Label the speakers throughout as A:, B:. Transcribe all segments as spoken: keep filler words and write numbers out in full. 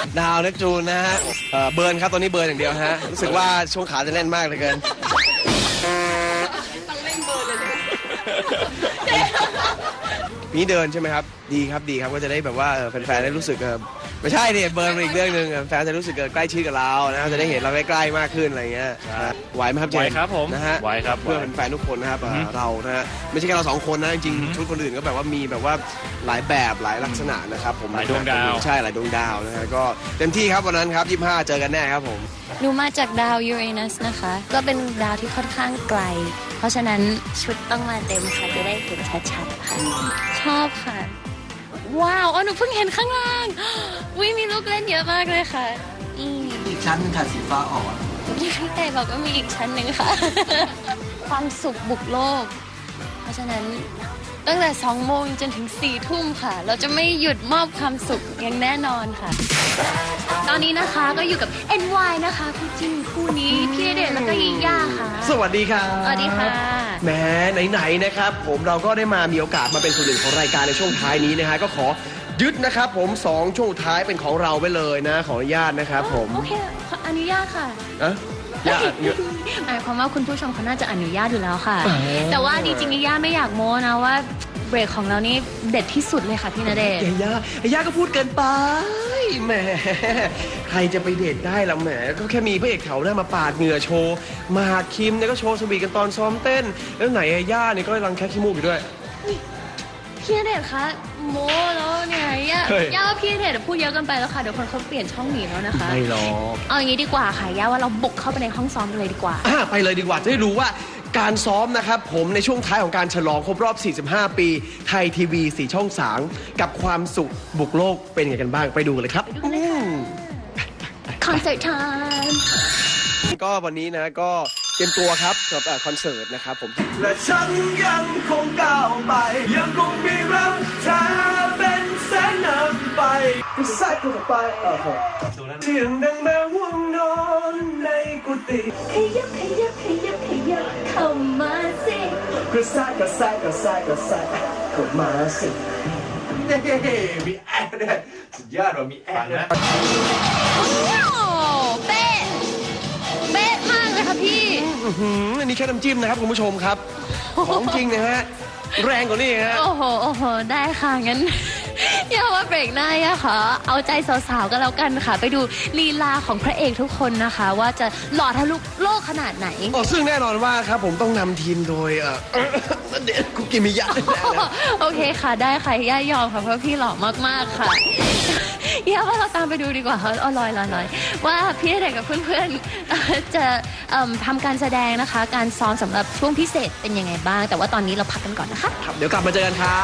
A: ดาวเนปจูนนะฮะเอ่อเบิร์นครับตอนนี้เบิร์นอย่างเดียวฮะรู้สึกว่าช่วงขาจะแน่นมากเหลยเกินนี่เดินใช่ไหมครับดีครับดีครับก็จะได้แบบว่าแฟนๆได้รู้สึกไม่ใช่เนี่ยเบิร์นเป็นอีกเรื่องหนึ่งแฟนจะรู้สึกใกล้ชิดกับเรานะจะได้เห็นเราใกล้ๆมากขึ้นอะไรเงี้ยไหวไหมครับเจมส์
B: ไหวครับผม
A: นะฮะ
B: ไหวครับ
A: เพื่อแฟนๆทุกคนนะครับเรานะฮะไม่ใช่แค่เราสองคนนะจริงๆชุดคนอื่นก็แบบว่ามีแบบว่าหลายแบบหลายลักษณะนะครับผม
B: หลายดวงดาว
A: ใช่หลายดวงดาวนะฮะก็เต็มที่ครับวันนั้นครับยี่สิบห้าเจอกันแน่ครับผม
C: หนูมาจากดาวยูเรนัสนะคะก็เป็นดาวที่ค่อนข้างไกลเพราะฉะนั้นชุดต้องมาเต็มค่ะจะได้เห็นชัดๆค่ะชอบค่ะว้าวอ๋อหนูเพิ่งเห็นข้างล่างวิมีลูกเล่นเยอะมากเลยค่ะอืม
D: อีกชั้นนึงค่ะสีฟ้าอ่อน
C: พี่แต่บอกว่ามีอีกชั้นหนึ่งค่ะ ความสุขบุกโลก เพราะฉะนั้นตั้งแต่สองโมงจนถึงสี่ทุ่มค่ะ เราจะไม่หยุดมอบความสุขอย่างแน่นอนค่ะ ตอนนี้นะคะก็อยู่กับ เอ็น วาย นะคะคู่จิ้นคู่นี้พี่ณเดชน์แล้วก็ยิ่งย่าค่ะ
A: สวัสดีครับ
C: สวัสดีค่ะ
A: แหมไหนๆนะครับผมเราก็ได้มามีโอกาสมาเป็นส่วนหนึ่งของรายการในช่วงท้ายนี้นะฮะก็ขอยึดนะครับผมสองช่วงท้ายเป็นของเราไปเลยนะขออนุญาตนะครับผม
C: โอเคขออนุญาตค่ะ
A: อะญาติเยอะ
C: หมายความว่าคุณผู้ชมเขาน่าจะอนุญาตอยู่แล้วค่ะ
A: อ๋อ
C: แต่ว่าจริงๆย่าไม่อยากโม้นะว่าเบรกของเรานี่เด็ดที่สุดเลยค่ะพี่ณเดชน์
A: เอ้ยย่าเอ้ยย่าก็พูดเกินไปแหมใครจะไปเดทได้ล่ะแหมก็แค่มีพระเอกแถวหน้ามาปาดเหงื่อโชว์มาคิมเนี่ยก็โชว์สวีทกันตอนซ้อมเต้นแล้วไหนไอ้ย่าเนี่ยก็กำลังแค่ขี้มูกอยู่ด้วย
C: พี่ณเดชน์คะโม้แล้วเนี่ยย่า
A: เฮ้ย
C: ย่าว่าพี่ณเดชน์พูดเยอะเกินไปแล้วค่ะเดี๋ยวคนเขาเปลี่ยนช่องหนีแล้วนะคะ
A: ไม่หรอก
C: เอาอย่างนี้ดีกว่าค่ะย่าว่าเราบุกเข้าไปในห้องซ้อมกันเลยดีกว่า
A: อ่ะไปเลยดีกว่าจะได้รู้ว่าการซ้อมนะครับผมในช่วงท้ายของการฉลองครบรอบ สี่สิบห้า ปีไทยทีวีสี่ช่องสามกับความสุขบุกโลกเป็นไงกันบ้างไปดูกันเลยครับ
C: ไปดูกันเลยค่ะ คอนเสิร์ตไทม์
A: ก็วันนี้นะก็เตรียมตัวครับสำหรับคอนเสิร์ตนะครับผมและฉันยังคงก้าวไปยังคงมีรักเธอเป็นแสงนำไปผู้ชายคนต่อไปเออเสียงดังแม้ว่างนอนในกุฏิ
C: ขยับขยับขยับขยับเข้ามาสิ
A: กระแสกระแสกระแสกระแสเข้ามาสิเฮ้มีแอดด้วยสุดยอดว่ะมีแอดนะ
C: ว้าวเป๊ะเป๊ะมากเลยค่ะพี่
A: อื้อหืออันนี้แค่น้ำจิ้มนะครับคุณผู้ชมครับ ของจริงนะฮะแรงกว่านี้ฮะ
C: โอ้โห โอ้โห ได้ค่ะ งั้น อย่าว่าเบรกหน้าย่าขอเอาใจสาวๆก็แล้วกันค่ะ ไปดูลีลาของพระเอกทุกคนนะคะ ว่าจะหล่อทะลุโลกขนาดไหน
A: อ๋อซึ่งแน่นอนว่าครับผมต้องนำทีมโดยเอ่อเด็ดคุกิมิยะแน่ๆนะ
C: โอเคค่ะ ได้ค่ะ ย่ายอมค่ะ เพราะพี่หล่อมากๆค่ะ ย่าว่าเราตามไปดูดีกว่าค่ะเอาลอยลอยลอยว่าพี่ณเดชน์กับเพื่อนๆเอ่อจะเอิ่มทำการแสดงนะคะ การซ้อมสำหรับช่วงพิเศษเป็นยังไงบ้าง แต่ว่าตอนนี้เราพักกันก่อนนะคะ
A: ครับเดี๋ยวกลับมาเจอกันครับ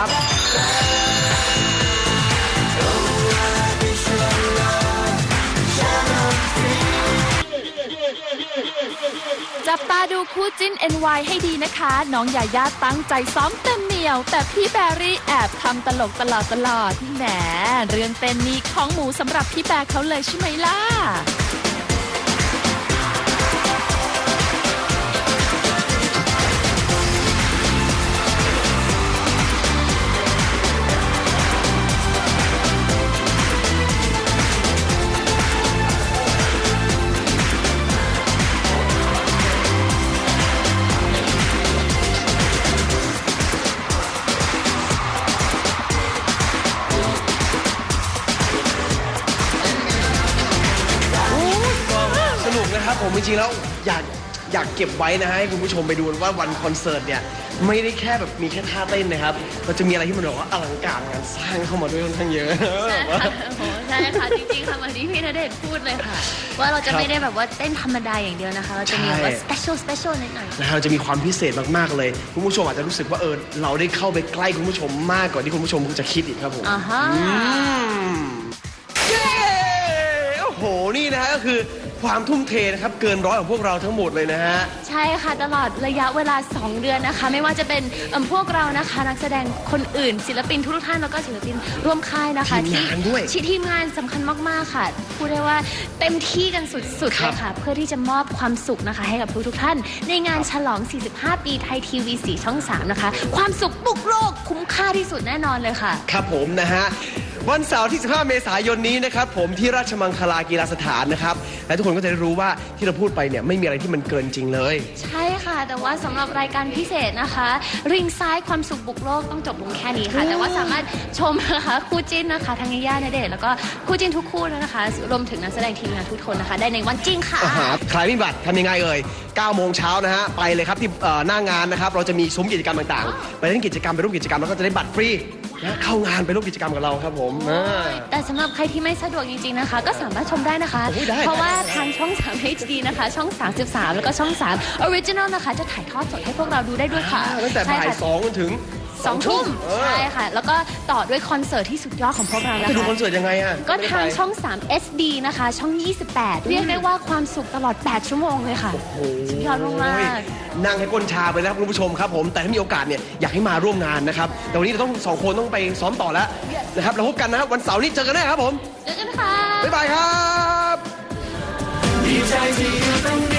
E: จับตาดูคู่จิ้น เอ็น วาย ให้ดีนะคะ น้องยาย่าตั้งใจซ้อมเต็มเหนียว แต่พี่แบรี่แอบทำตลกตลอดตลอดแหมเรื่องเต้นนี่ของหมูสำหรับพี่แบร์เขาเลยใช่ไหมล่ะ
A: สนุกนะครับผมจริงๆแล้วอยากอยากเก็บไว้นะฮะให้คุณผู้ชมไปดูว่าวันคอนเสิร์ตเนี่ยไม่ได้แค่แบบมีแค่ท่าเต้นนะครับเราจะมีอะไรที่มันแบบว่าอลังการงานสร้างเข้ามาด้วยค่อนข้างเยอะ
C: ใช่ค่ะโอ้โหใช่ค่ะ จริงๆ ค่ะเหมือนที่พี่ณเดชน์พูดเลยค่ะ ว่าเราจะไม่ได้แบบว่าเต้นธรรมดาอย่างเดียวนะคะ เราจะมีแบบว่า special special นิดหน่อย
A: นะฮะเราจะมีความพิเศษมากๆเลยคุณผู้ชมอาจจะรู้สึกว่าเออเราได้เข้าไปใกล้คุณผู้ชมมากกว่าที่คุณผู้ชมจะคิดอีกครับผม
C: อ่าฮะ
A: อืมเย้โอ้โหนี่นะฮะก็คือความทุ่มเทนะครับเกินร้อยของพวกเราทั้งหมดเลยนะฮะ
C: ใช่ค่ะ ตลอดระยะเวลา สอง เดือนนะคะ ไม่ว่าจะเป็นเอิ่มพวกเรานะคะ นักแสดงคนอื่น ศิลปินทุกท่านแล้วก็ศิลปินร่วมค่ายนะคะ
A: ทีมงานด้วย
C: ที่ทีมงานสำคัญมากๆค่ะพูดได้ว่าเต็มที่กันสุดๆ
A: ครั
C: เล
A: บ
C: ยค่ะ เพื่อที่จะมอบความสุขนะคะ ให้กับทุกๆท่าน ในงานฉลอง สี่สิบห้า ปีไทยทีวีสี่ช่องสามนะคะ ความสุขบุกโลกคุ้มค่าที่สุดแน่นอนเลยค่ะ
A: ครับผมนะฮะวันเสาร์ที่สิบห้าเมษายนนี้นะครับผมที่ราชมังคลากีฬาสถานนะครับและทุกคนก็จะได้รู้ว่าที่เราพูดไปเนี่ยไม่มีอะไรที่มันเกินจริงเลย
C: ใช่ค่ะ แต่ว่าสำหรับรายการพิเศษนะคะริงซ้ายความสุขบุกโลกต้องจบลงแค่นี้ค่ะ แต่ว่าสามารถชมนะคะคู่จิ้นนะคะทั้งย่าณเดชน์แล้วก็คู่จิ้นทุกคู่นะคะรวมถึงนักแสดงทีมงานทุกคนนะคะได้ในวันจริงค่ะ
A: อาหารใครไม่มีบัตรทำยังไงเอ่ยเก้าโมงเช้านะฮะไปเลยครับที่เอ่อหน้างานนะครับเราจะมีซุ้มกิจกรรมต่างๆไปเล่นกิจกรรมไปร่วมกิจกรรมแล้วก็จะได้บัตรฟรีนะเข้างานไปร่วมกิจกรรมกับเราครับผมอ่า
C: แต่สำหรับใครที่ไม่สะดวกจริงๆนะคะ ก็สามารถชมได้นะคะ
A: โอ้ยได้
C: เพราะว่าทางช่อง สาม เอช ดี นะคะ ช่อง สามสิบสาม แล้วก็ช่อง สาม Original นะคะ จะถ่ายทอดสดให้พวกเราดูได้ด้วยค่ะ
A: ตั้งแต่บ่าย
C: ใช่ค่ะ
A: สองจนถึง
C: สองทุ่ม
A: เออ
C: ใช่ค่ะ แล้วก็ต่อด้วยคอนเสิร์ตที่สุดยอดของพวกเรานะ
A: ไปดู
C: คะ
A: คอนเสิร์ตยังไงอ่ะ
C: ก็ทางช่อง สาม เอส ดี นะคะ ช่อง ยี่สิบแปด เรียกได้ว่าความสุขตลอด แปด ชั่วโมงเลยค่ะ สุดยอดมากๆ
A: นั่งให้ก้นชาไปแล้วครับคุณผู้ชมครับผมแต่ถ้ามีโอกาสเนี่ยอยากให้มาร่วมงานนะครับแต่วันนี้เราต้องสองคนต้องไปซ้อมต่อแล้วนะครับเราพบกันนะครับวันเสาร์นี้เจอกันแน่ครับผม
C: เจอกันค่ะ
A: บ๊ายบายครับ
D: ดีใจที่อยู่ตรงนี้